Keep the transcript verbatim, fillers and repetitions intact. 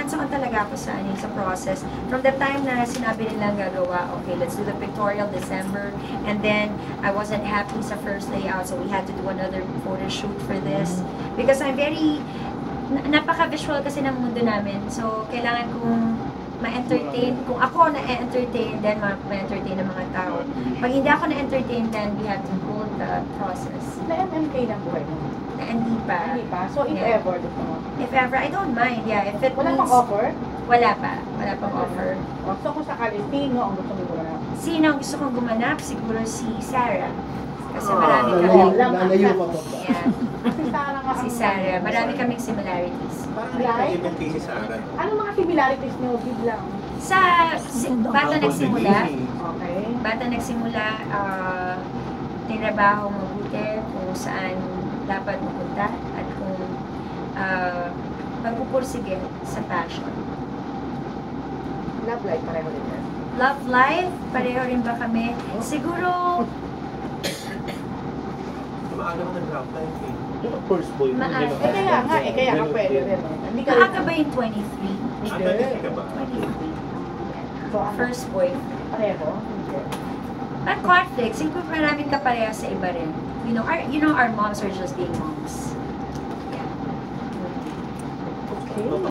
hands-on talaga ako sa, ano, sa process. From the time na sinabi nilang gagawa, okay, let's do the pictorial December, and then I wasn't happy sa first layout, so we had to do another photo shoot for this. Because I'm very, na- napaka-visual kasi ng mundo namin, so kailangan kong ma-entertain. Kung ako na-entertain, then ma-entertain ng mga tao. Pag hindi ako na-entertain, then we have to hold the process. Na-M M K ng buhay mo? Na hindi pa. Hindi pa? So, if Yeah. ever, gusto mo? If ever, I don't mind. Yeah, if it Wala means... pang offer? Wala pa. Wala pang offer. O, so, kung sakali, sino ang gusto mo gumanap? Sino ang gusto kong gumanap? Siguro si Sarah. Kasi Ah, marami lalayo. kami. Lalayo pa pa. Yeah, Si Sarah nga si ang- Sarah. Marami kaming similarities. Parang hindi ko kay si Sarah. Anong mga similarities niyo? Biglang. Sa si, bata nagsimula, Okay. bata nagsimula, uh, tinrabaho mabuti kung saan dapat mapunta at kung uh, magpupursige sa passion. Love life pareho din yan. Love life, pareho rin ba kami? Siguro, Maaga mo nag-love life eh. Yung first boy mo, Maaga. hindi ba? Eh, kaya nga, eh, kaya nga pwede rin. eh. Hindi ka maaga ba yung twenty-three? Ah, twenty-three ka ba? twenty-three. So, ano? First boy. Pareho? Hindi. At conflict, siguro maraming kapareha sa iba rin. You know, our, you know, our moms are just being moms. Yeah. Okay.